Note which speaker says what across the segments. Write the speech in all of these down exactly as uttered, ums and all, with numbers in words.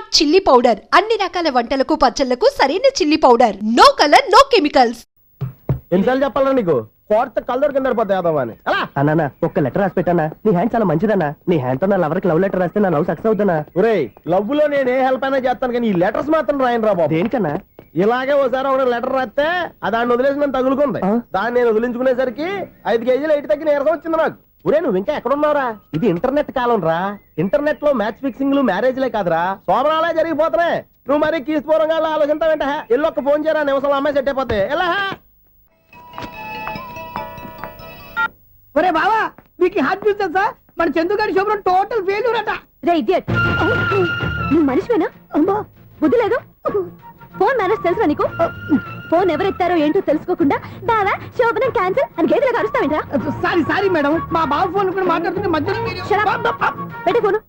Speaker 1: Chilli powder అన్ని రకాల వంటలకు పచ్చళ్లకు సరైన chilli powder. No colour no chemicals.
Speaker 2: ఎన్నిసార్లు చెప్పాలా నీకు? కోర్త కలర్ కింద పడిపోతాయి అన్నా. ఒక్క లెటర్ రాసి పెట్టానా? నీ హ్యాండ్ చాలా మంచిదన్నా. నీ హ్యాండ్ తో నా లవర్ కి లవ్ లెటర్ రాస్తే నా లవ్ సక్సెస్ అవుతానా? ఒరే, లవ్ లో నేను ఏ హెల్ప్ అయినా చేస్తాను కానీ ఈ లెటర్స్ మాత్రం రాయను రా బాబు. దేనికన్నా? ఇలాగే ఒకసారి ఒక లెటర్ రాస్తే ఆ దాన్ని వదిలేసి నేను తగులుకుంది. దాన్ని నేను వదిలించుకునేసరికి ఐదు కేజీలు ఎయిట్ తగ్గి నీరసం వచ్చింది నాకు. ఒరే, నువ్వు ఇంకా ఎక్కడున్నావురా? ఇది ఇంటర్నెట్ కాలం రా. ఇంటర్నెట్ లో మ్యాచ్ ఫిక్సింగ్లు మ్యారేజ్లే కాదురా, సోమనాలే జరిగిపోతున్నాయి. నువ్వు మరి కీస్పూరంగా ఆలోచించావేంట? ఎల్లు ఒక్క ఫోన్ చేయరా, నిమిషంలో అమ్మాయి సెట్ అయిపోతాయి. ఎలా?
Speaker 3: ఒరే బావా, మీకు హార్ట్ న్యూస్ తెలుసా? మన చందుగారి శుభ్రం టోటల్ ఫెయిల్యూర్ అట.
Speaker 4: రే ఇడియట్, నువ్వు మనిషివేనా? బుద్ధి లేదు. ఫోన్ మేనేజ్ తెలుసా నీకు? ఫోన్ ఎవరెత్తారో ఏంటో తెలుసుకోకుండా బావా శోభనం క్యాన్సిల్ అని గేదెలకు అరుస్తావేంట్రా?
Speaker 3: సారీ సారీ మేడం, మా బావ ఫోన్ కూడా మాట్లాడుతుంటే మధ్యలో
Speaker 4: పెట్టే ఫోను.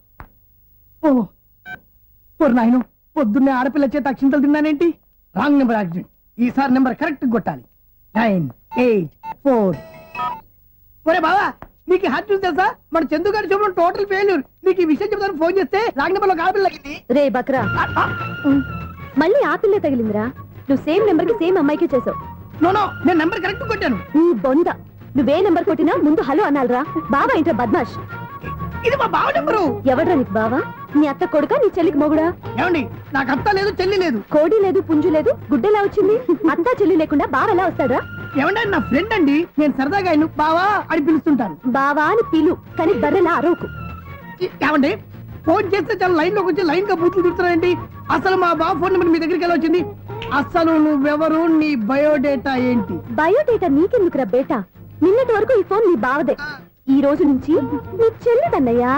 Speaker 3: ఓ నాయను, పొద్దున్నే ఆడపిల్ల చేత అక్షింతలు తిన్నానేంటి? Wrong number accident. ఈసారి నెంబర్ కరెక్ట్ కొట్టాలి. Nine eight four. ఒరే బావా, నీకు హార్ట్ న్యూస్ తెలుసా? మన చందుగారి శుభ్రం టోటల్ ఫెయిల్యూర్. నీకు ఈ విషయం చెప్తాను ఫోన్ చేస్తే రాంగ్ నెంబర్ లో ఆడపిల్ల తగ్గింది.
Speaker 4: రే బక్రా, మళ్ళీ ఆ పిల్లే తగిలిందిరా. నువ్వు సేమ్ నెంబర్ కి సేమ్ అమ్మాయికి చేసావు.
Speaker 3: నో నో, నేను నెంబర్ కరెక్ట్ కొట్టాను.
Speaker 4: నీ బొంద, నువ్వే నెంబర్ కొట్టినా ముందు హలో అనాలరా. బావా ఏంటో బద్మాష్.
Speaker 3: ఇది మా బావ నెంబరు.
Speaker 4: ఎవడ్రా నీకు బావా? నీ అత్త కొడుక, నీ చెల్లికి మొగుడా?
Speaker 3: ఏమండి, నాకు అత్త లేదు చెల్లి లేదు.
Speaker 4: కోడి లేదు పుంజు లేదు, గుడ్డెలా వచ్చింది? అత్త చెల్లి లేకుండా బావ ఎలా వస్తాడా?
Speaker 3: ఏమంటే నా ఫ్రెండ్ అండి, నేను సరదాగా ఆయన బావా అని పిలుస్తుంటాను.
Speaker 4: బావా అని పిలు, కానీ బర్రెలా అరవకు.
Speaker 3: ఏమండి, ఫోన్ చేస్తే చాలా లైన్ లోకి వచ్చి లైన్ గా బూతులు తిడుతున్నాయండి. అసలు మా బావ ఫోన్ నెంబర్ మీ దగ్గరికి ఎలా వచ్చింది? అసలు నువ్వెవరు, నీ బయోడేటా ఏంటి?
Speaker 4: బయోడేటా నీకెందుకురా బేటా? నిన్నటి వరకు ఈ ఫోన్ నీ బావదే, ఈ రోజు నుంచి నీ చెల్లిదన్నయ్యా.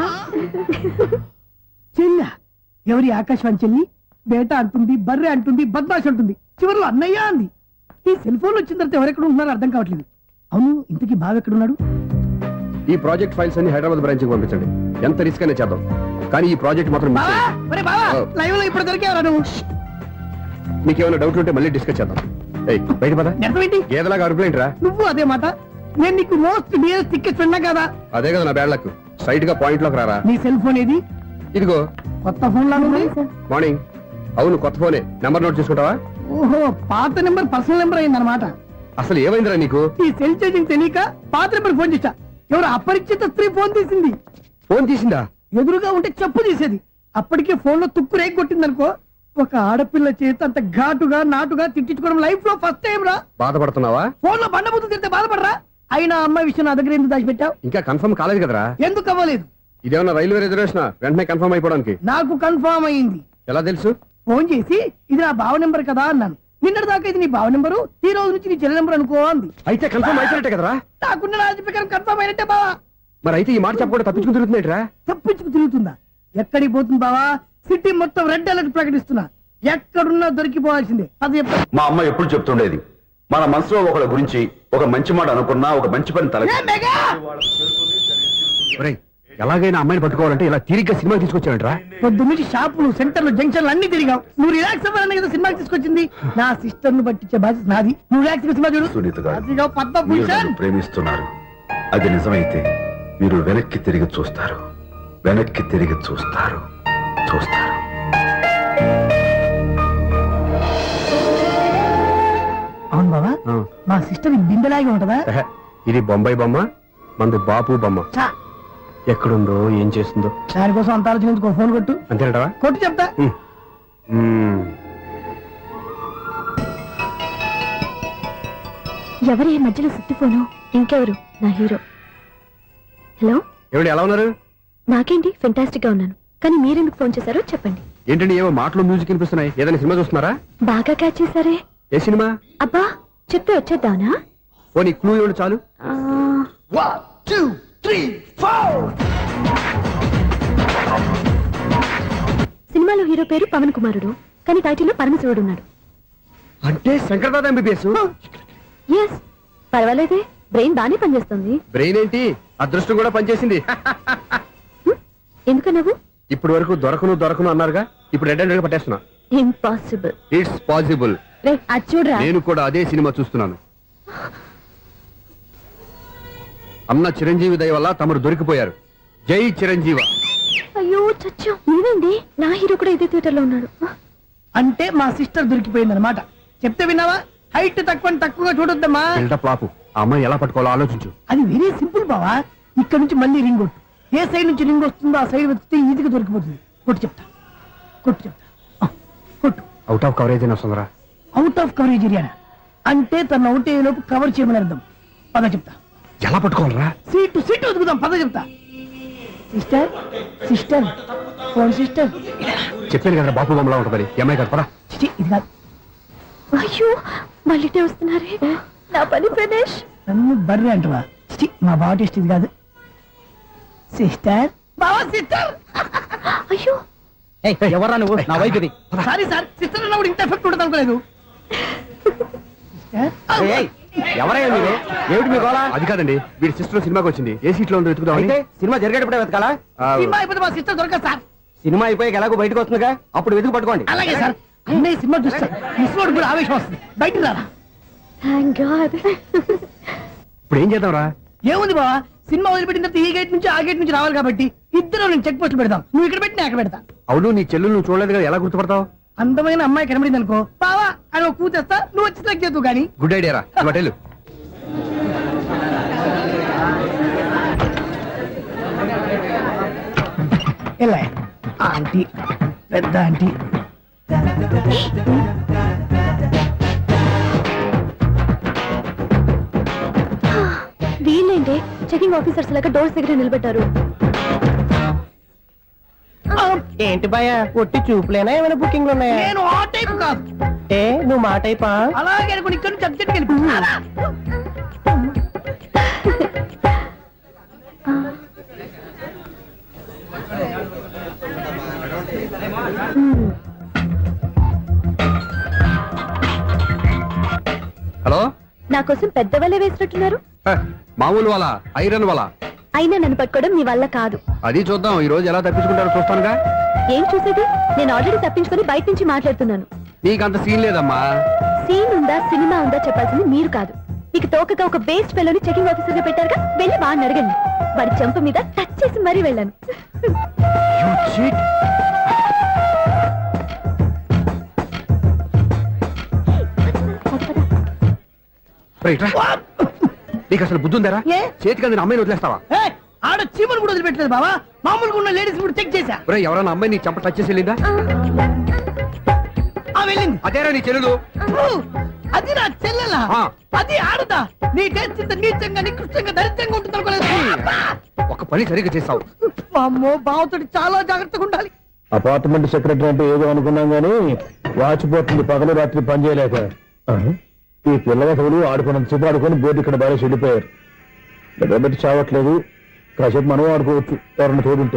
Speaker 3: చెల్ల? ఎవరి ఆకాశవాణి చెల్లి? బేటా అంటుంది, బర్రె అంటుంది, బద్మాష్ అంటుంది, చివరిలో అన్నయ్య అంది. ఈ సెల్ ఫోన్ వచ్చిన తర్వాత ఎవరెక్కడ ఉంటున్నారో అర్థం కావట్లేదు. అవును, ఇంతకీ బావ ఎక్కడున్నాడు?
Speaker 5: ఈ ప్రాజెక్ట్ ఫైల్స్ అన్ని హైదరాబాద్ బ్రాంచ్ కి పంపించండి. ఎంత రిస్క్ అయినా చేద్దాం, కానీ ఈ ప్రాజెక్ట్ మాత్రం
Speaker 3: లైవ్ లో ఇప్పుడు దొరికేవరా నువ్వు?
Speaker 5: నీకేమైనా డౌట్ ఉంటే మళ్ళీ డిస్కస్ చేద్దాం. బయట పద. గేదలాగా అరుపులేంట్రా?
Speaker 3: నువ్వు అదే మాట. నేను నీకు మోస్ట్ డియరెస్ట్ టికెట్స్ ఉన్నా కదా.
Speaker 5: అదే కదా నా బ్యాడ్ లక్. స్ట్రైట్ గా పాయింట్ లోకి రారా.
Speaker 3: నీ సెల్ ఫోన్ ఏది?
Speaker 5: ఇదిగో.
Speaker 3: కొత్త ఫోన్ లాగా ఉంది.
Speaker 5: మార్నింగ్. అవును, కొత్త ఫోనే. నెంబర్ నోట్ చేసుకుంటావా?
Speaker 3: ఓహో, పాత నెంబర్ పర్సనల్ నెంబర్ అయిందన్నమాట.
Speaker 5: అసలు ఏమైందిరా నీకు?
Speaker 3: ఈ సెల్ చేంజింగ్ తెలియక పాత నెంబర్ ఫోన్ చేశా. ఎవరు అపరిచిత స్త్రీ ఫోన్ తీసింది.
Speaker 5: ఫోన్ తీసిందా?
Speaker 3: ఎదురుగా ఉంటే చెప్పు తీసేది. అప్పటికే ఫోన్ లో తుక్కు రేగి కొట్టింది అనుకో. ఒక ఆడపిల్ల చేత అంత ఘాటుగా నాటుగా తిట్టించుకోవడం లైఫ్ లో ఫస్ట్ టైం రా.
Speaker 5: బాధపడుతున్నావా?
Speaker 3: ఫోన్ లో బండబుద్ధి తిరితే బాధపడరా? అయినా అమ్మాయి విషయం నా దగ్గర ఎందుకు దాచిపెట్టావు?
Speaker 5: ఇంకా కన్ఫర్మ్ కాలేదు కదరా.
Speaker 3: ఎందుకు అవ్వలేదు?
Speaker 5: ఇదేమన్నా రైల్వే రిజర్వేషన్? వెంటనే కన్ఫర్మ్ అయిపోవడానికి.
Speaker 3: నాకు కన్ఫర్మ్ అయింది.
Speaker 5: ఎలా తెలుసు?
Speaker 3: ఫోన్ చేసి ఇది నా బావ నెంబర్ కదా అన్నాను. నిన్నటి దాకా ఇది నీ బావ నెంబరు, ఈ రోజు నుంచి నీ చెల్లి నెంబర్ అనుకో అంది.
Speaker 5: అయితే కన్ఫర్మ్ అయిపోయినట్టే కదరా?
Speaker 3: నాకున్న రాజు ప్రకారం కన్ఫర్మ్ అయినట్టే బావా.
Speaker 5: మరి అయితే ఈ మాట చెప్పకుండా తప్పించుకుని తిరుగుతున్నట్రా?
Speaker 3: తప్పించుకు తిరుగుతుందా? ఎక్కడికి పోతుంది బావా? సిటీ మొత్తం రెడ్ అలర్ట్ ప్రకటిస్తున్నా. ఎక్కడున్నా దొరికిపోవాల్సిందే. అది
Speaker 6: మా అమ్మ ఎప్పుడు చెప్తుండేది, మన మనసులో ఒకళ్ళ గురించి ఒక మంచి మాట అనుకున్నా, ఒక మంచి పని తల
Speaker 5: ఎలాగైనా అమ్మాయిని పట్టుకోవాలంటే ఇలా తిరిగ్గా సినిమా తీసుకొచ్చానంటరా?
Speaker 3: పొద్దు నుంచి షాపులు, సెంటర్లు, జంక్షన్లు అన్ని తిరిగావు. నువ్వు రిలాక్స్ అవ్వాలని కదా సినిమాకి తీసుకొచ్చింది. నా సిస్టర్ ను పట్టించే బాధ్యత నాది. నువ్వు రిలాక్స్ సినిమా చూడు.
Speaker 6: సునీత గారు,
Speaker 3: పద్మభూషణ్
Speaker 6: ప్రేమిస్తున్నారు. అది నిజమైతే మీరు వెనక్కి తిరిగి చూస్తారు, వెనక్కి తిరిగి చూస్తారు, చూస్తారు.
Speaker 3: అవును బాబా, మా సిస్టర్ బిందెలాగే ఉంటదా?
Speaker 5: ఇది బొంబాయి బొమ్మ, మంది బాపు బొమ్మ. ఎక్కడుందో ఏం చేస్తుందో
Speaker 3: దానికోసం అంత ఆలోచించుకో. ఫోన్ కొట్టు.
Speaker 5: అంతేనటవా?
Speaker 3: కొట్టు చెప్తా.
Speaker 4: ఎవరి మధ్యలో సుత్తి ఫోను? ఇంకెవరు? నా హీరో. హలో,
Speaker 5: ఎవరు? ఎలా ఉన్నారు?
Speaker 4: నాకేంటి, ఫెంటాస్టిక్ గా ఉన్నాను. కానీ మీరెందుకు ఫోన్ చేశారో చెప్పండి.
Speaker 5: ఏంటండి ఏవో మాటలు మ్యూజిక్ వినిపిస్తున్నాయి? ఏదైనా సినిమా చూస్తున్నారా?
Speaker 4: బాగా క్యాచ్ చేశారే.
Speaker 5: ఏ సినిమా?
Speaker 4: అబ్బా, చెప్తే వచ్చేద్దానా?
Speaker 5: ఓ, నీ క్లూ ఇవ్వండి చాలు.
Speaker 4: సినిమాలో హీరో పేరు పవన్ కుమారుడు, కానీ టైటిల్లో పరమశివుడు ఉన్నాడు.
Speaker 5: అంటే శంకర్దాదా ఎంబీబీఎస్?
Speaker 4: ఎస్, పర్వాలేదే, బ్రెయిన్ బానే పనిచేస్తుంది.
Speaker 5: బ్రెయిన్ ఏంటి, అదృష్టం కూడా పనిచేసింది.
Speaker 4: ఎందుకన్నావు?
Speaker 5: ఇప్పుడు వరకు దొరకను దొరకను అన్నారుగా, ఇప్పుడు రెడ్ హ్యాండెడ్ గా పట్టేస్తున్నా.
Speaker 4: ఇంపాసిబుల్.
Speaker 5: It's possible. నేను కూడా అదే సినిమా చూస్తున్నాను. అన్న చిరంజీవి దయ వల్ల తమరు దొరికిపోయారు. జై చిరంజీవ.
Speaker 4: అయ్యో అచ్చచ్చో ఏమైంది? నా హీరో కూడా ఇదే థియేటర్ లో ఉన్నాడు.
Speaker 3: అంటే మా సిస్టర్ దొరికిపోయింది అనమాట. చెప్తే విన్నావా? హైట్ తక్కువ తక్కువగా చూడొద్దమ్మా.
Speaker 5: బిల్డప్ లాపు. ఆ అమ్మాయి ఎలా పట్టుకోవాలో ఆలోచించు.
Speaker 3: అది వెరీ సింపుల్ బావా. ఇక్కడ నుంచి మళ్ళీ రింగ్ కొట్టు. ఏ సైడ్ నుంచి రింగ్ వస్తుందో ఆ సైడ్ వస్తే ఈజీగా దొరికిపోతుంది. కొట్టు చెప్తా, కొట్టు చెప్తా. ఆ, కొట్టు.
Speaker 5: అవుట్ ఆఫ్ కవరేజ్ అయినా వస్తుందిరా.
Speaker 3: అవుట్ ఆఫ్ కవరేజ్ ఏరియా అంటే తన అవుట్ అయ్యే లోపు కవర్ చేయమని అర్థం. పద చెప్తా.
Speaker 5: ఎలా పట్టుకోవాలరా?
Speaker 3: సీటు సీటు వెతుకుదాం. పద చెప్తా. Sister sister phone sister.
Speaker 5: చెప్పాను కదా బాపు బొమ్మలా ఉంటుంది. ఈ అమ్మాయి కదా పరా.
Speaker 3: చిచి, ఇది కాదు.
Speaker 4: అయ్యో మళ్ళీ ఇటే వస్తున్నారే. నా పని ఫినిష్.
Speaker 3: నన్ను బర్రె అంటవా? చిచి, మా బావ టేస్ట్ ఇది కాదు. సిస్టర్ బావా సిస్టర్.
Speaker 4: అయ్యో
Speaker 2: ఎవరా నువ్వు? నా వైపు ఇది.
Speaker 3: సారీ సార్, సిస్టర్ అన్నప్పుడు ఇంత ఎఫెక్ట్ ఉండదు అనుకోలేదు.
Speaker 2: ఎవరయ్యా మీరు? ఏమిటి మీ గోళ?
Speaker 5: అది కాదండి, వీడి సిస్టర్ సినిమాకి వచ్చింది. ఏ సీట్ లో ఉందో వెతుకుదామని.
Speaker 2: అయితే సినిమా జరిగేటప్పుడే వెతకాలా?
Speaker 5: ఆ,
Speaker 3: సినిమా అయిపోతే మా సిస్టర్ దొరకదు సార్.
Speaker 2: సినిమా అయిపోయాక ఎలాగో బయటకు వస్తుందిగా, అప్పుడు వెతుకు పట్టుకోండి.
Speaker 3: అలాగే సార్. అన్నయ్య సినిమా చూస్తారు, మిస్లోడ్ కూడా ఆవేశం వస్తుంది. బయట రారా.
Speaker 4: Thank god.
Speaker 5: ఇప్పుడు ఏం చేద్దాంరా?
Speaker 3: ఏముంది బావా, సినిమా వదిలిపెట్టిన తర్వాత ఈ గేట్ నుంచి ఆ గేట్ నుంచి రావాలి కాబట్టి ఇద్దరు నేను చెక్ పోస్ట్ పెడతాం. నువ్వు ఇక్కడ పెట్టి నేను అక్కడ పెడతా.
Speaker 5: అవును, నీ చెల్లు నువ్వు చూడలేదు కదా, ఎలా గుర్తుపడతావు?
Speaker 3: అందమైన అమ్మాయి కనబడింది అనుకో బావా అని ఒక కూతేస్తా, నువ్వు వచ్చి సెలెక్ట్ చేద్దు కానీ.
Speaker 5: గుడ్ ఐడియా రా. హోటల్
Speaker 3: ఎలా ఆంటీ, పెద్ద ఆంటీ.
Speaker 4: వీళ్ళేంటి చెకింగ్ ఆఫీసర్స్ లాగా డోర్స్ దగ్గర నిలబెట్టారు.
Speaker 2: ఏంటి భయ, ఒట్టి చూపులేనా ఏమైనా బుకింగ్లు ఉన్నాయా?
Speaker 3: నేను ఆ టైప్ కాదు.
Speaker 2: ఏ నువ్వు మా టైపా?
Speaker 3: అలాగే అనుకుని ఇక్కడ నుంచి అర్జెంట్కి వెళ్ళిపోతున్నా.
Speaker 5: హలో.
Speaker 4: నా కోసం పెద్ద వలే వేసినట్టున్నారు.
Speaker 5: హ, మామూలు వాళ్ళ ఐరన్ వాళ్ళ.
Speaker 4: అయినా నన్ను పట్టుకోవడం మీ వల్ల కాదు.
Speaker 5: అది చూద్దాం, ఈ రోజు ఎలా తప్పించుకుంటారో చూస్తానుగా.
Speaker 4: ఏం చూసేది? నేను ఆల్రెడీ తప్పించుకొని బయట నుంచి మాట్లాడుతున్నాను.
Speaker 5: నీకంత సీన్ లేదమ్మా.
Speaker 4: సీన్ ఉందా సినిమా ఉందా చెప్పాల్సింది మీరు కాదు. మీకు తోకగా ఒక బేస్ట్ ఫెలోని చెకింగ్ ఆఫీసర్ గా పెట్టారుగా, వెళ్ళి వాడిని అడగండి. వాడి చెంప మీద టచ్ చేసి మరీ వెళ్ళాను.
Speaker 5: You cheat. రైట్ రా. నీకు అసలు బుద్ధి ఉందారా?
Speaker 3: ఏ?
Speaker 5: చేతికి అందిన అమ్మాయిని వదిలేస్తావా?
Speaker 3: ఏయ్, ఆడ చీమలు కూడా వదిలిపెట్టలేదు బావా. మామూలుగా ఉన్న లేడీస్ కూడా చెక్ చేశా.
Speaker 5: ఒరే, ఎవరైనా అమ్మాయి నీ చెంప టచ్ చేసి వెళ్ళిందా?
Speaker 3: ఆ వెళ్ళింది.
Speaker 5: అదేరా నీ చెల్లెలు.
Speaker 3: ఓ, అది నా చెల్లెలా?
Speaker 5: ఆ.
Speaker 3: అది ఆడదా? నీ టేస్ట్ ఇంత నీచంగా నికృష్టంగా దరిద్రంగా ఉంటుంది అనుకోలేదు.
Speaker 5: ఒక పని సరిగ్గా చేస్తావు.
Speaker 3: అమ్మో, బావతోటి చాలా జాగ్రత్తగా ఉండాలి.
Speaker 2: అపార్ట్మెంట్ సెక్రటరీ అంటే ఏదో అనుకున్నాం గానీ వాచిపోతుంది పగలు రాత్రి పని చేయలేక. ఈ పిల్లగతులు ఆడుకున్నంత సేపు ఆడుకొని బోర్డు ఇక్కడ బాగా చెడిపోయారు. నిద్రబెట్టి చావట్లేదు. కాసేపు మనం ఆడుకోవచ్చు ఎవరన్నా తోడుంటే.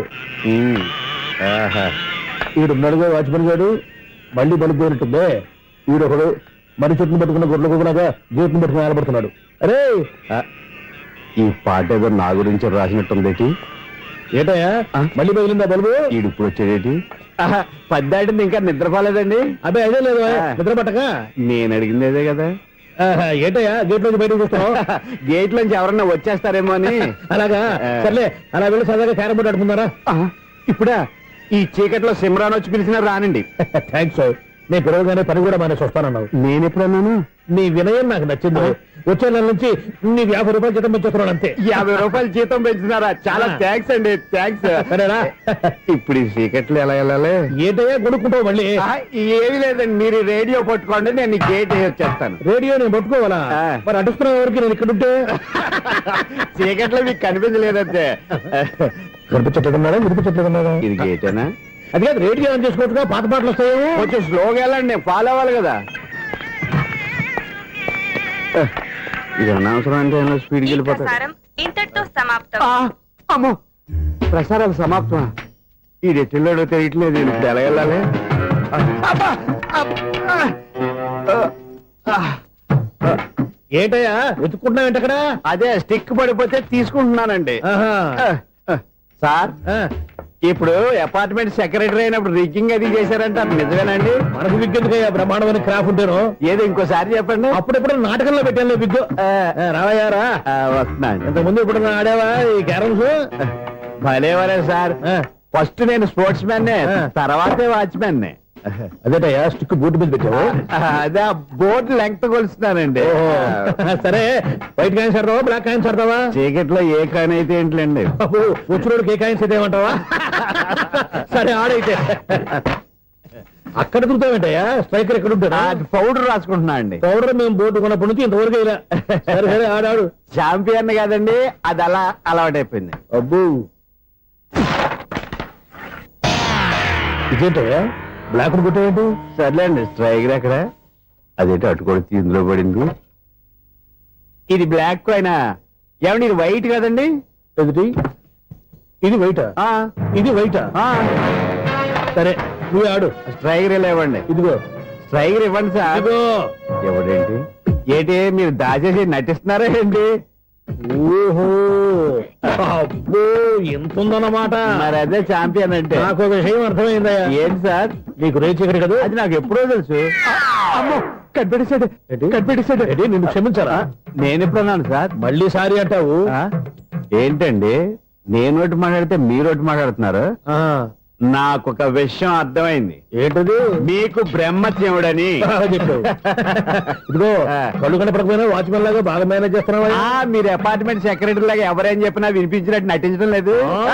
Speaker 2: ఈడున్నాడుగా వాచ్మెన్ గారు, మళ్ళీ బలిపోయినట్టుందే. ఈడొకడు మరి చెట్టును పట్టుకున్న గొడ్ల కుక్కలాగా గేట్ను పట్టుకుని నిలబడుతున్నాడు. అరే, ఈ పాట ఏదో నా గురించి రాసినట్టుంది. ఏటయ్యా మళ్ళీ బదిలిందా బలుబు? ఈడు ఇప్పుడు వచ్చేదేటి? పద్దాటింది ఇంకా నిద్రపోలేదండి. అదే అదే లేదు నిద్ర పట్టక. నేను అడిగింది అదే కదా. ఏటయ్యా గేట్ నుంచి బయటకు చూస్తావు? గేట్ నుంచి ఎవరన్నా వచ్చేస్తారేమో అని. అలాగా, సర్లే అలా వెళ్ళి సరదాగా క్యారం బోర్డు ఆడుకుందారా? ఇప్పుడా? ఈ చీకట్లో సిమ్రాన్ వచ్చి పిలిచినా రానండి. థ్యాంక్స్. నేను పిలవగానే పని కూడా మానేసి వస్తానన్నావు. నేను ఎప్పుడన్నాను? నీ వినయం నాకు నచ్చింది. వచ్చే నెల నుంచి నీ యాభై రూపాయలు జీతం పెంచుతున్నాను అంతే. యాభై రూపాయలు జీతం పెంచుతున్నారా? చాలా థ్యాంక్స్ అండి. థ్యాంక్స్. సరేనా? ఇప్పుడు ఈ చీకట్లు ఎలా వెళ్ళాలి? ఏంటయ్యా కొనుక్కుంటావు మళ్ళీ? ఏమి లేదండి, మీరు రేడియో పట్టుకోండి, నేను గేట్ వచ్చేస్తాను. రేడియో నేను పట్టుకోవాలా? మరి అడుస్తున్న వరకు నేను ఇక్కడ ఉంటే చీకట్లో మీకు కనిపించలేదంతే. కనిపించట్లేదన్నారా? వినిపించట్లేదన్నారా? ఇది గేటేనా? అది కాదు, రేడియో ఆన్ చేసుకోవచ్చుగా, పాత పాటలు వస్తాయి. కొంచెం స్లోగా వెళ్ళండి, నేను ఫాలో అవ్వాలి కదా. ఇది అనవసరం అంటే స్పీడ్కి వెళ్ళిపోతాడు.
Speaker 7: ఇంతటితో సమాప్తం.
Speaker 2: అమ్మో, ప్రసారాలు సమాప్తం. ఈ రెట్టిల్లోడో తెలియట్లేదు. ఇప్పుడు ఎలా వెళ్ళాలి? ఏంటయ్యా వెతుక్కుంటున్నావు ఏంటి అక్కడ? అదే స్టిక్ పడిపోతే తీసుకుంటున్నానండి. సార్, ఇప్పుడు అపార్ట్మెంట్ సెక్రటరీ అయినప్పుడు రిగ్గింగ్ అది చేశారంటే అది నిజమేనండి? మనకు విగ్ ఎందుకయ్యా, బ్రహ్మాండమైన క్రాఫ్ ఉంటాను. ఏదో ఇంకోసారి చెప్పండి. అప్పుడెప్పుడు నాటకంలో పెట్టాను విగ్. రావయ్యారా? వస్తున్నాను. ఇంతకుముందు ఇప్పుడు ఆడావా ఈ క్యారమ్స్? భలేవరే సార్. ఫస్ట్ నేను స్పోర్ట్స్ మ్యాన్ తర్వాతే వాచ్మెన్ అదేటయ్యా స్టిక్ బూట్ మీద పెట్టావు అదే బోర్డు లెంగ్త్ కొలుస్తున్నానండి సరే వైట్ కాయిన్స్ ఆడతావా బ్లాక్ కాయిన్స్ ఆడతావా చీకట్ లో ఏ కాయిన్ అయితే ఏంటండి వచ్చినోడికి ఏ కాయిన్స్ అయితే ఏమంటావా సరే ఆడైతే అక్కడ దొరుకుతావేంటయ్యా స్ట్రైకర్ ఎక్కడ ఉంటాడా పౌడర్ రాసుకుంటున్నా అండి పౌడర్ మేము బోర్డు కొన్నప్పటి నుంచి ఇంతవరకు ఇలా సరే సరే ఆడాడు చాంపియన్ కాదండి అది అలా అలవాటైపోయింది అబ్బు ఇదేంటయ్యా బ్లాక్ కొట్టేయండి సర్లేండి స్ట్రైకర్ ఎక్కడ అదేంటి అటు కొడితే ఇందులో పడింది ఇది బ్లాక్ అయినా ఏమండి ఇది వైట్ కదండి ఎదుటి ఇది వైటా ఇది వైటా సరే నువ్వు ఆడు స్ట్రైకర్ ఇలా ఇవ్వండి ఇదిగో స్ట్రైకర్ ఇవ్వండి సార్ ఇవ్వడేంటి ఏంటి మీరు దాచేసి నటిస్తున్నారా ఏంటి ఓహో అబ్బో ఎంత ఉందన్నమాట మరి అదే ఛాంపియన్ అంటే నాకు ఒక విషయం అర్థమైందయ్యా ఏంటి సార్ నీకు రేచి ఇక్కడ కదా అది నాకు ఎప్పుడో తెలుసు అమ్మో కనిపెట్టేసాడు కనిపెట్టేసాడు నిన్ను క్షమించారా నేను ఎప్పుడన్నాను సార్ మళ్ళీ సారీ అంటావు ఏంటండి నేను ఒకటి మాట్లాడితే మీరు ఒకటి మాట్లాడుతున్నారు నాకు ఒక విషయం అర్థమైంది ఏంటది మీకు బ్రహ్మత్యముడని చెప్పావు ఇదిగో కళ్ళు కనపడకపోయినా వాచ్మెన్ లాగా బాగా మేనేజ్ చేస్తున్నావా మీరు అపార్ట్మెంట్ సెక్రటరీ లాగా ఎవరేం చెప్పినా వినిపించినట్టు నటించడం లేదు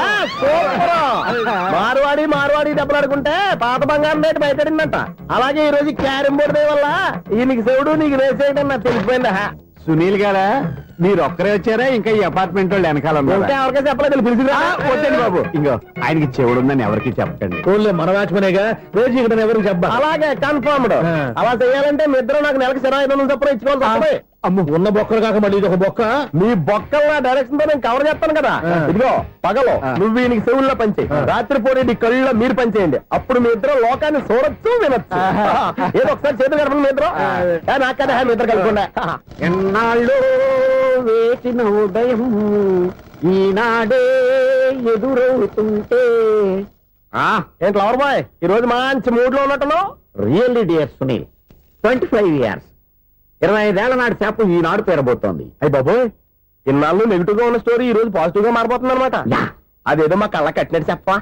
Speaker 2: మార్వాడి మార్వాడి దెబ్బలాడుకుంటే పాత బంగారం రేటు బయటడిందంట అలాగే ఈ రోజు క్యారం బోర్డు దే వల్ల ఈయనకి శివుడు నీకు రేసేయడం నాకు తెలిసిపోయిందా సునీల్ గారా మీరు ఒక్కరే వచ్చారా ఇంకా ఈ అపార్ట్మెంట్ వాళ్ళు వెనకాల ఎవరికైనా చెప్పలేదు పిలిచిరా వద్దండి బాబు ఇంకో ఆయనకి చెవుడుందని ఎవరికి చెప్పకండి మన వాచ్మనేగా రోజు ఇక్కడ ఎవరికి చెప్పాలి అలాగే కన్ఫర్మ్డ్ అలా చేయాలంటే మీ ఇద్దరు నాకు నెలకు సిరా ఐదు వందలు చొప్పున ఇచ్చుకోవాలి అమ్మ ఉన్న బొక్కలు కాక మళ్ళీ ఇది ఒక బొక్క మీ బొక్కల డైరెక్షన్ తో నేను కవర్ చేస్తాను కదా ఇదిగో పగలో నువ్వు ఈయనకి చెవుల్లో పంచే రాత్రి పూట కళ్ళలో మీరు పనిచేయండి అప్పుడు మీ ఇద్దరు లోకాన్ని చూడొచ్చు వినొచ్చు ఏదో ఒకసారి చేతులు కలపండి మీ ఇద్దరు నాకు కదా మీ ఇద్దరు కలపకుండా ఎన్నాళ్ళు వేసిన ఉదయం ఈనాడే ఎదురవుతుంటే ఏంటి లవర్ బాయ్ ఈ రోజు మంచి మూడ్ లో ఉన్నట్టును really dear Sunil twenty five years ఇరవై ఐదేళ్ల నాటి చేప ఈనాడు పేరబోతోంది అయ్యి బాబోయ్ ఇన్నాళ్ళు నెగిటివ్ గా ఉన్న స్టోరీ ఈ రోజు పాజిటివ్ గా మారిపోతుంది అనమాట అదేదో మా కళ్ళ కట్టినట్టు చెప్పా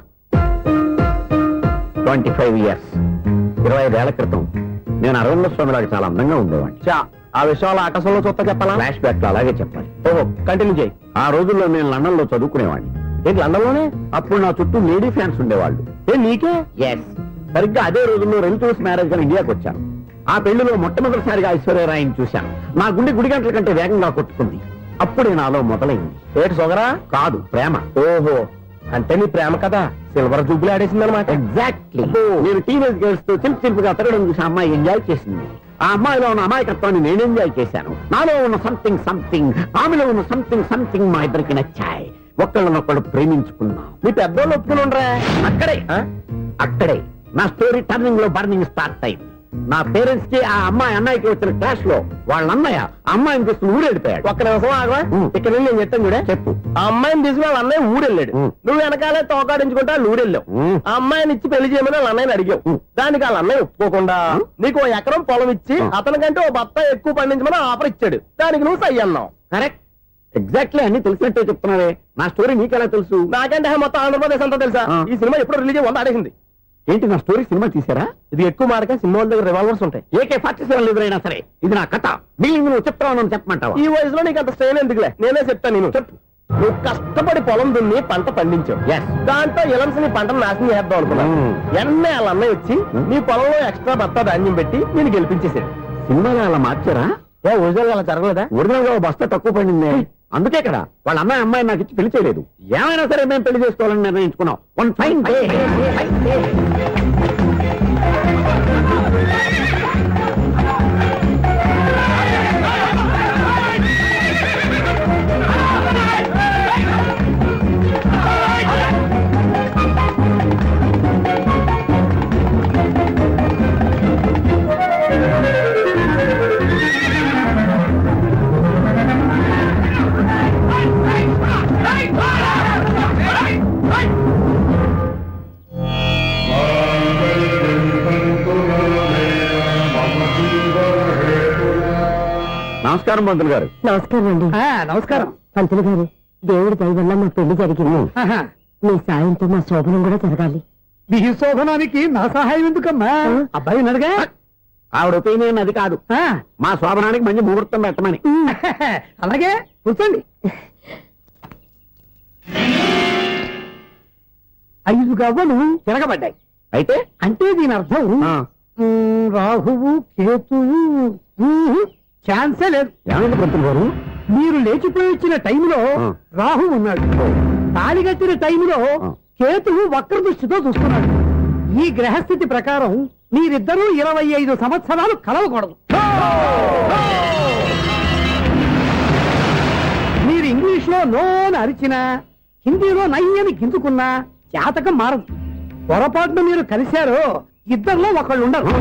Speaker 2: ట్వంటీ ఫైవ్ ఇయర్స్ ఇరవై ఐదేళ్ల క్రితం నేను అరవింద స్వామి లాగా చాలా అందంగా ఉండేవాడిని ఆ విషయాలు ఆకాశంలో చూస్తా చెప్పాలా ఫ్లాష్ బ్యాక్ లో అలాగే చెప్పాలి ఓహో కంటిన్యూ చేయి ఆ రోజుల్లో నేను లండన్ లో చదువుకునేవాడిని ఏంటి లండన్ లోనే అప్పుడు నా చుట్టూ లేడీ ఫ్యాన్స్ ఉండేవాళ్ళు ఏ నీకే ఎస్ సరిగ్గా అదే రోజుల్లో రిలేటివ్స్ మ్యారేజ్ గా ఇండియాకి వచ్చాను ఆ పెళ్లిలో మొట్టమొదటిసారిగా ఐశ్వర్యరాయని చూశాను నా గుండె గుడి గంటల కంటే వేగంగా కొట్టుకుంది అప్పుడే నాలో మొదలైంది ఏటి సొగరా కాదు ప్రేమ ఓహో అంటే నీ ప్రేమ కదా సిల్వర్ జూబ్లీ ఆడేసింది అనమాట ఎగ్జాక్ట్లీ నేను టీనేజ్ గర్ల్స్ తో చిలిపి చిలిపిగా తిరగడం చూసి అమ్మాయి ఎంజాయ్ చేసింది ఆ అమ్మాయిలో ఉన్న అమాయకత్వాన్ని నేను ఎంజాయ్ చేశాను నాలో ఉన్న సంథింగ్ సంథింగ్ ఆమెలో ఉన్న సంథింగ్ సంథింగ్ మా ఇద్దరికి నచ్చాయి ఒక్కళ్ళనొక్కడు ప్రేమించుకున్నాం మీ పెద్దోళ్ళు ఒప్పుకుని ఉండరా అక్కడే అక్కడే నా స్టోరీ టర్నింగ్ లో బర్నింగ్ స్టార్ట్ అయింది నా పేరెంట్స్ కి ఆ అమ్మాయి అన్నయ్యకి వచ్చిన క్లాష్ లో వాళ్ళ అన్నయ్య అమ్మాయిని తీసుకుని ఊరెళ్ళిపోయాడు ఒక్క నిమిషం ఆగవా ఇక్కడ నేను చెప్తాను కూడా చెప్పు ఆ అమ్మాయిని తీసుకుని వాళ్ళ అన్నయ్య ఊరెళ్ళాడు నువ్వు వెనకాలే తోకాడించుకుంటా ఊరెళ్ళావు ఆ అమ్మాయిని ఇచ్చి పెళ్లి చేయమని వాళ్ళ అన్నయ్యని అడిగావు దానికి వాళ్ళ అన్నయ్య ఒప్పుకోకుండా నీకు ఓ ఎకరం పొలం ఇచ్చి అతనికంటే ఓ బత్త ఎక్కువ పండించమని ఆఫర్ ఇచ్చాడు దానికి నువ్వు సై అన్నావు కరెక్ట్ ఎగ్జాక్ట్లీ అన్ని తెలిసినట్టే చెప్తున్నావే నా స్టోరీ నీకెలా తెలుసు నాకంటే మొత్తం ఆంధ్రప్రదేశ్ అంతా తెలుసా ఈ సినిమా ఎప్పుడు రిలీజ్ వంద ఆడేసింది ఏంటి నా స్టోరీ సినిమా తీసారా ఇది ఎక్కువ మార్క సినిమా దగ్గర రివాల్వర్స్ ఉంటాయి ఏకే ఫార్టీ సెవెన్ ఎదురైనా సరే ఇది నా కథ మిగిలిన నువ్వు చెప్తావు చెప్పమంటావా ఈ వయసులో నీకు అంత స్ట్రెయిన్ ఎందుకులే నేనే చెప్తాను నేను చెప్పు నువ్వు కష్టపడి పొలం దున్ని పంట పండించావు దాంతో ఎలమ్స్ నీ పంటను నాశనం చేద్దాం అనుకున్నాను ఎన్నే వాళ్ళ అన్నయ్య వచ్చి నీ పొలంలో ఎక్స్ట్రా బత్తా ధాన్యం పెట్టి నేను గెలిపించేసాడు సినిమాలో అలా మార్చారా ఏ ఒరిజినల్ అలా జరగలేదా ఒరిజినల్ గా బస్తా తక్కువ పడింది అందుకే కదా వాళ్ళ అమ్మాయి అమ్మాయి నాకు ఇచ్చి పెళ్లి చేయలేదు ఏమైనా సరే మేము పెళ్లి చేసుకోవాలని నిర్ణయించుకున్నాం వన్ ఫైన్ డే నమస్కారం పంతులు గారు
Speaker 3: నమస్కారం అండి
Speaker 2: నమస్కారం
Speaker 3: పంతులు గారు దేవుడి దయ వల్ల మా పెళ్లి జరిగింది
Speaker 4: మీ సాయంతో మా శోభనం కూడా జరగాలి.
Speaker 3: నీ శోభనానికి నా సహాయం ఎందుకమ్మా? అబ్బాయి అడగా
Speaker 2: ఆవిడ ఒపీనియన్ అది కాదు, మా శోభనానికి మంచి ముహూర్తం పెట్టమని.
Speaker 3: అలాగే కూర్చోండి. ఐదు గవ్వలు
Speaker 2: తిరగబడ్డాయి. అయితే
Speaker 3: అంటే దీని అర్థం
Speaker 2: ఆ,
Speaker 3: ఉమ్, రాహువు కేతువు ఉమ్, ఛాన్సే లేదు.
Speaker 2: ఏమైంది పంతులు గారు?
Speaker 3: మీరు లేచిపోయి వచ్చిన టైంలో
Speaker 2: ఆ.
Speaker 3: రాహు ఉన్నాడు, తాళి కట్టిన టైంలో
Speaker 2: ఆ.
Speaker 3: కేతువు వక్ర దృష్టితో చూస్తున్నాడు. ఈ గ్రహస్థితి ప్రకారం మీరిద్దరూ ఇరవై ఐదు సంవత్సరాలు కలవకూడదు. మీరు ఇంగ్లీష్ లో నోన్ అరిచినా, హిందీలో నయ్యని గింజుకున్నా జాతకం మారదు. పొరపాటున మీరు కలిశారో ఇద్దరిలో ఒకళ్ళు ఉండరు.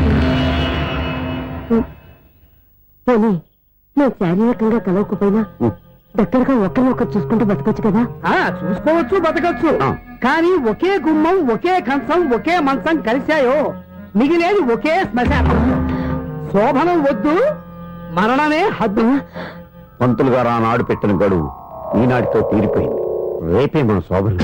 Speaker 4: పోనీ మేము శారీరకంగా కలవకపోయినా దగ్గరగా ఒకరినొకరు చూసుకుంటూ బతకొచ్చు కదా.
Speaker 3: ఆ చూసుకోవచ్చు, బతకచ్చు.
Speaker 2: ఆ.
Speaker 3: కానీ ఒకే గుమ్మం, ఒకే కంచం, ఒకే మంచం కలిశాయో మిగిలేది ఒకే శ్మశానం. శోభనం వద్దు, మరణమే హద్దు.
Speaker 2: పంతులు గారు ఆనాడు పెట్టిన గడువు ఈనాటితో తీరిపోయింది. రేపే మన శోభనం.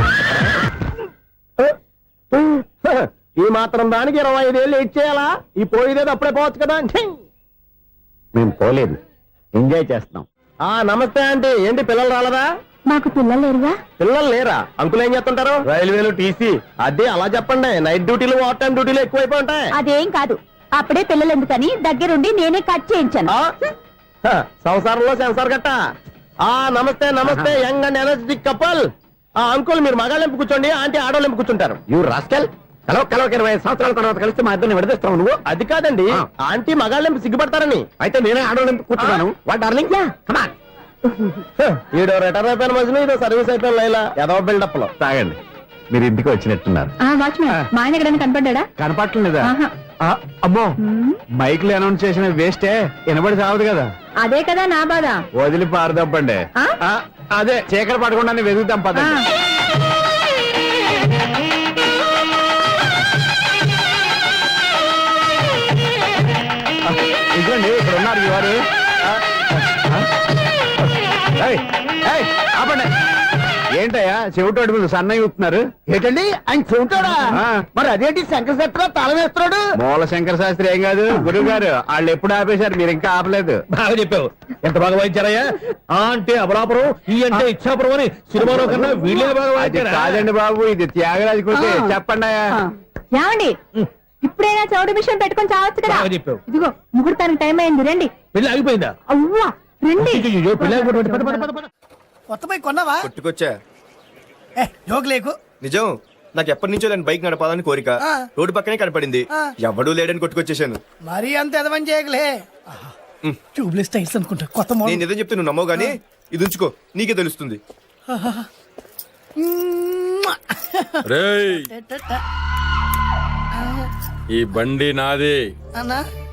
Speaker 2: ఈ మాత్రం దానికి ఇరవై ఐదేళ్ళు ఇచ్చేయాలా? ఈ పోయేదేది అప్పుడే పోవచ్చు కదా. మేము పోలేదు, ఎంజాయ్ చేస్తున్నాం. ఆ నమస్తే ఆంటీ. ఏంటి పిల్లలు రాలదా?
Speaker 4: మాకు పిల్లలు లేరుగా.
Speaker 2: పిల్లలు లేరా? అంకులు ఏం చేస్తుంటారు? రైల్వేలు టీసీ. అదే అలా చెప్పండి. నైట్ డ్యూటీలు, ఓవర్ టైం డ్యూటీలు ఎక్కువైపోయి ఉంటాయి.
Speaker 4: అదేం కాదు, అప్పుడే పిల్లలు ఎందుకని దగ్గరుండి నేనే కట్ చేయించాను.
Speaker 2: ఆ? హ, సంసారంలో సెన్సార్ గట్ట. ఆ నమస్తే నమస్తే, యంగ్ అండ్ ఎనర్జెటిక్ కపుల్. ఆ అంకుల్ మీరు మగాళ్ళెంపు కూర్చోండి, ఆంటీ ఆడోళ్ళెంపు కూర్చుంటారు. You rascal. కలవ కలవ ఇరవై సంవత్సరాల తర్వాత కలిస్తే మా ఇద్దరిని విడదీస్తావు నువ్వు. అది కాదండి, ఆంటీ మగాళ్ళెంపు సిగ్గుపడతారని. అయితే నేనే ఆడోళ్ళెంపు కూర్చున్నాను. What darling, come on. ఈడో రిటైర్ అయిపోయిన మధ్యలో ఇదో సర్వీస్ అయిపోయిన లైలా ఏదో బిల్డప్ లో. తాగండి, మీరు ఇంటికి వచ్చినట్టున్నారు.
Speaker 4: వాచ్మెన్ మా ఆయన ఎక్కడైనా కనపడ్డా?
Speaker 2: కనపట్లేదా?
Speaker 4: ఆహా.
Speaker 2: ఆ, అమ్మో, మైక్ లో అనౌన్స్ చేసిన వేస్టే, వినబడి సావదు కదా.
Speaker 4: అదే కదా నా బాధ.
Speaker 2: వదిలి పారదప్పండి.
Speaker 4: ఆ?
Speaker 2: అదే చీకటి పడకుండా వెతుకుతాం పదండి. ఇదిగోండి ఇక్కడ ఉన్నారు ఈ వారు. ఆ, ఆ, ఏయ్, ఏయ్, ఆపండి. ఏంటయ్యా చెవిటోడి మీద సన్నయ్య చూస్తున్నారు?
Speaker 3: ఏంటండి ఆయన చెబుతాడా?
Speaker 2: ఆ.
Speaker 3: మరి అదేంటి శంకర శెట్టిలో తాళం వేస్తున్నాడు?
Speaker 2: మూల శంకర శాస్త్రి ఏం కాదు గురువు గారు, వాళ్ళు ఎప్పుడు ఆపేశారు, మీరు ఇంకా ఆపలేదు.
Speaker 7: బాగా చెప్పావు. ఎంత బాగా వాయించారయ్యా? ఆ అంటే అబలాపురం, ఈ అంటే ఇచ్చాపురం అని సినిమాలో కన్నా వీళ్ళే బాగా
Speaker 2: అది
Speaker 7: వాయించారా?
Speaker 2: కాదండి బాబు, ఇది త్యాగరాజు కృతి.
Speaker 3: ఆ.
Speaker 2: చెప్పండి అయ్యా.
Speaker 4: ఏమండి, ఇప్పుడైనా చౌడు మిషన్ పెట్టుకొని చావచ్చు కదా.
Speaker 7: బాగా చెప్పావు.
Speaker 4: ఇదిగో ముహూర్తానికి టైం అయింది, రండి.
Speaker 7: పెళ్లి ఆగిపోయిందా?
Speaker 4: అవ్వా రండి.
Speaker 7: అయ్యయ్యో, పెళ్లి ఆగిపోయింది. పద, పద, పద, పద.
Speaker 3: కొత్త బైక్ కొన్నావా?
Speaker 8: కొట్టుకొచ్చా.
Speaker 3: ఏ జోక్ లేకు.
Speaker 8: నిజం, నాకు ఎప్పటి నుంచో నేను బైక్ నడపాలని కోరిక.
Speaker 3: ఆ.
Speaker 8: రోడ్డు పక్కనే కనపడింది,
Speaker 3: ఆ.
Speaker 8: ఎవడూ లేడని కొట్టుకొచ్చేసాను.
Speaker 3: మరీ అంత ఎదవని చేయగలే. ట్యూబ్లెస్ టైర్స్ అనుకుంటా, కొత్త
Speaker 8: నేను
Speaker 3: మోడల్.
Speaker 8: ఏదో చెప్తే నువ్వు నమ్మవు గానీ ఇది ఉంచుకో, నీకే తెలుస్తుంది.
Speaker 7: రేయ్, ఈ బండి నాది.
Speaker 3: అన్నా